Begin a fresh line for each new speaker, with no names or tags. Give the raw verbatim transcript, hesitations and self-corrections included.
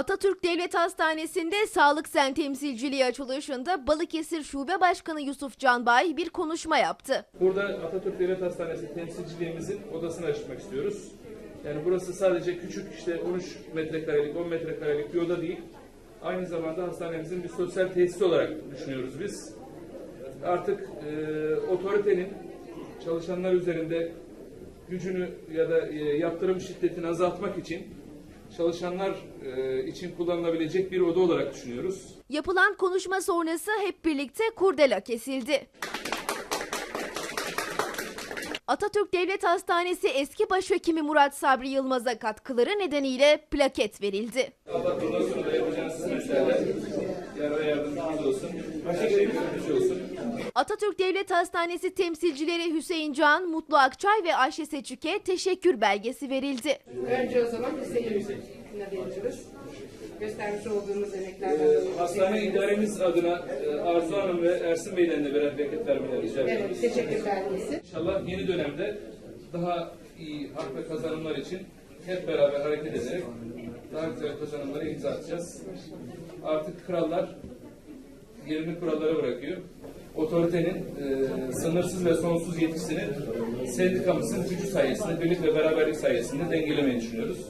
Atatürk Devlet Hastanesi'nde Sağlık Sen temsilciliği açılışında Balıkesir Şube Başkanı Yusuf Canbay bir konuşma yaptı.
Burada Atatürk Devlet Hastanesi temsilciliğimizin odasını açmak istiyoruz. Yani burası sadece küçük işte on üç metrekarelik, on metrekarelik bir oda değil. Aynı zamanda hastanemizin bir sosyal tesisi olarak düşünüyoruz biz. Artık e, otoritenin çalışanlar üzerinde gücünü ya da e, yaptırım şiddetini azaltmak için çalışanlar e, için kullanılabilecek bir oda olarak düşünüyoruz.
Yapılan konuşma sonrası hep birlikte kurdela kesildi. Atatürk Devlet Hastanesi eski başhekimi Murat Sabri Yılmaz'a katkıları nedeniyle plaket verildi.
Allah bundan sonra da yapacağınız hizmetlerle yara yardımcımız olsun. Her şey bir olsun.
Atatürk Devlet Hastanesi temsilcileri Hüseyin Can, Mutlu Akçay ve Ayşe Seçük'e teşekkür belgesi verildi.
Önce o zaman Hüseyin'e veriyoruz. Göstermiş olduğumuz emeklerden.
Ee, hastane idaremiz adına e, Arzu Hanım ve Ersin Bey'den de birer bereket vermeleri rica ediyoruz.
Evet, teşekkür belgesi.
İnşallah yeni dönemde daha iyi hak ve kazanımlar için hep beraber hareket ederek daha güzel kazanımlara imza atacağız. Artık krallar yerini kurallara bırakıyor. Otoritenin e, sınırsız ve sonsuz yetkisini sendikamızın gücü sayesinde, birlik ve beraberlik sayesinde dengelemeyi düşünüyoruz.